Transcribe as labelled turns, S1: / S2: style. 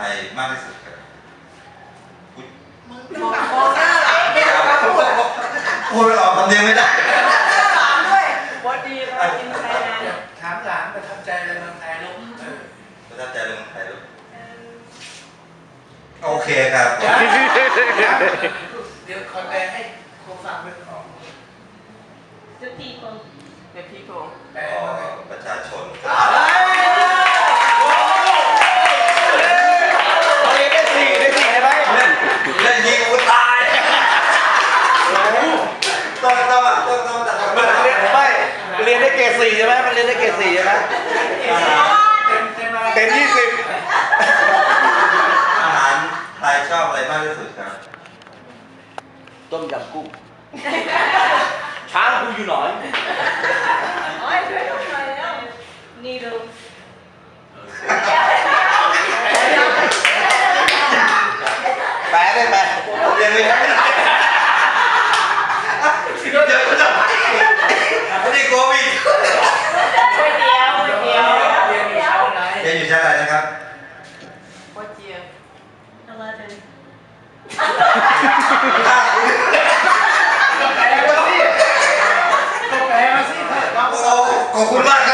S1: รมากที่สุดครับ
S2: มองหน้าหลังไม่ได้พูด
S1: พูดไม่ออกคำเดียวไม่ได้
S2: หลังด้วย
S3: What do you like in Thailand
S4: ถามหลานประทับใจในเมืองไทยลูก
S1: ประทับใจเรื่องไทยลูกโอเคครับ
S4: เดี๋ยวคอยแปลให้ครูฟังเป็นของ
S3: The people The people
S4: แปล
S1: ประชาชน
S5: เรียนได้สี่ได้ไหม
S1: เล่นยิงกูตายต้องตัด
S5: มันเรียนไม่เรียนได้เกรด4ใช่ไหมมันเรียนได้เกรด4ใช่ไหมเต็ม20
S1: อาหารไทยชอบอะไรมากที่สุดครับ
S5: ต้มยำกุ้งช้างกูอยู่หน่อย
S3: โอ้ยช่วยหน่อยแล้ว Needles
S5: แปลได้ไหม
S1: เรียนไม่ได้เดี๋ยวจะไม่ได้โควิด
S3: ก๋วยเตี๋ยวก๋วยเตี๋ยว
S4: เรียนอยู่ชั้นไหน
S1: เรียนอยู่ชั้นอะไรนะครับ
S3: What year 11
S4: ก็แปลมาสิก็แปลมาสิ
S1: โอ้ขอบคุณมากค